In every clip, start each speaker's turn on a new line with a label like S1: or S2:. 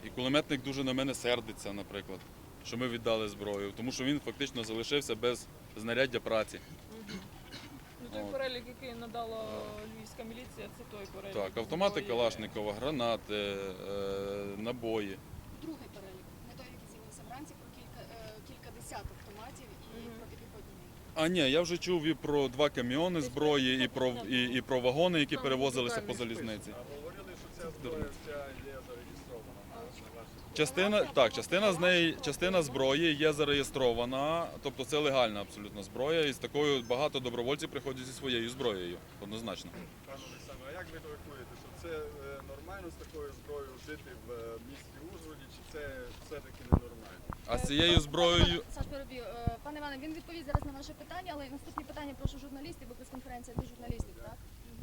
S1: І кулеметник дуже на мене сердиться, наприклад, що ми віддали зброю, тому що він фактично залишився без знаряддя праці.
S2: Ну, той перелік, який надала львівська міліція, це той перелік.
S1: Так, автомати
S2: зброї.
S1: Калашникова, гранати, набої.
S3: Другий перелік, не той, який з'явився вранці, про кілька десяток автоматів і протипіхотні міни.
S1: А ні, я вже чув і про 2 каміони зброї, і про вагони, які
S2: Там
S1: перевозилися по
S2: детальний
S1: залізниці.
S4: А говорили, що ця зброя вся є зареєстрована на вашій
S1: Частина зброї є зареєстрована, тобто це легальна абсолютно зброя, і з такою багато добровольців приходять зі своєю зброєю, однозначно.
S4: Пане Олександре, а як ви рахуєте, що це нормально з такою зброєю жити в місті Ужгороді, чи це все-таки ненормально?
S1: А з цією зброєю...
S3: Саш, переб'ю. Пане Іване, він відповість зараз на ваше питання, але наступні питання прошу журналістів, бо прес-конференція для журналістів, так?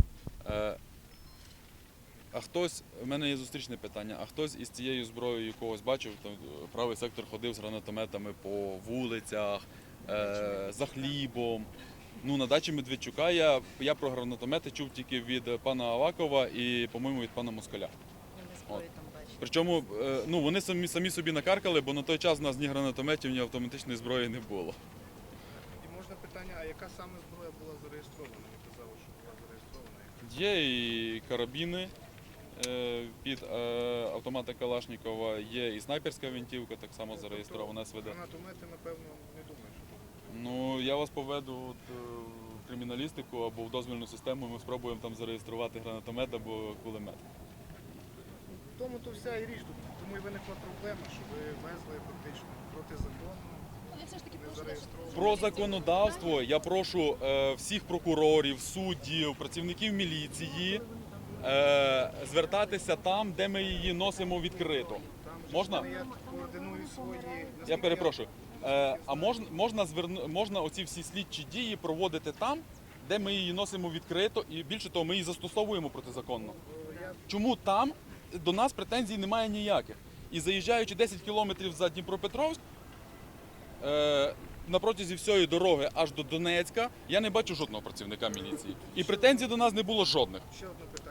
S1: А хтось, в мене є зустрічне питання, а хтось із цією зброєю когось бачив, там правий сектор ходив з гранатометами по вулицях, за хлібом. Ну, на дачі Медведчука я про гранатомети чув тільки від пана Авакова і, по-моєму, від пана Москаля. От. Причому ну, вони самі собі накаркали, бо на той час у нас ні гранатометів, ні автоматичної зброї не було.
S5: І можна питання, а яка саме зброя була зареєстрована? Ви казали, що була зареєстрована.
S1: Є і карабіни під автомата Калашникова, є і снайперська гвинтівка, так само зареєстрована СВД.
S5: Гранатомети, напевно, не думаю, що тут.
S1: Ну, я вас поведу в криміналістику або в дозвільну систему, ми спробуємо там зареєструвати гранатомет або кулемет.
S5: В тому то вся і річ тут. Тому і виникла проблема, що ви везли фактично протизаконно,
S3: Але все ж таки
S5: не
S3: прошу
S5: зареєстровано.
S1: Про законодавство я прошу всіх прокурорів, суддів, працівників міліції звертатися там, де ми її носимо відкрито.
S5: Там же
S1: Можна?
S5: я координую свої...
S1: Я
S5: наскільки
S1: перепрошую. А можна оці всі слідчі дії проводити там, де ми її носимо відкрито, і більше того, ми її застосовуємо протизаконно. Чому там до нас претензій немає ніяких? І заїжджаючи 10 кілометрів за Дніпропетровськ, на протязі всієї дороги аж до Донецька, я не бачу жодного працівника міліції. І претензій до нас не було жодних.
S5: Ще одне питання.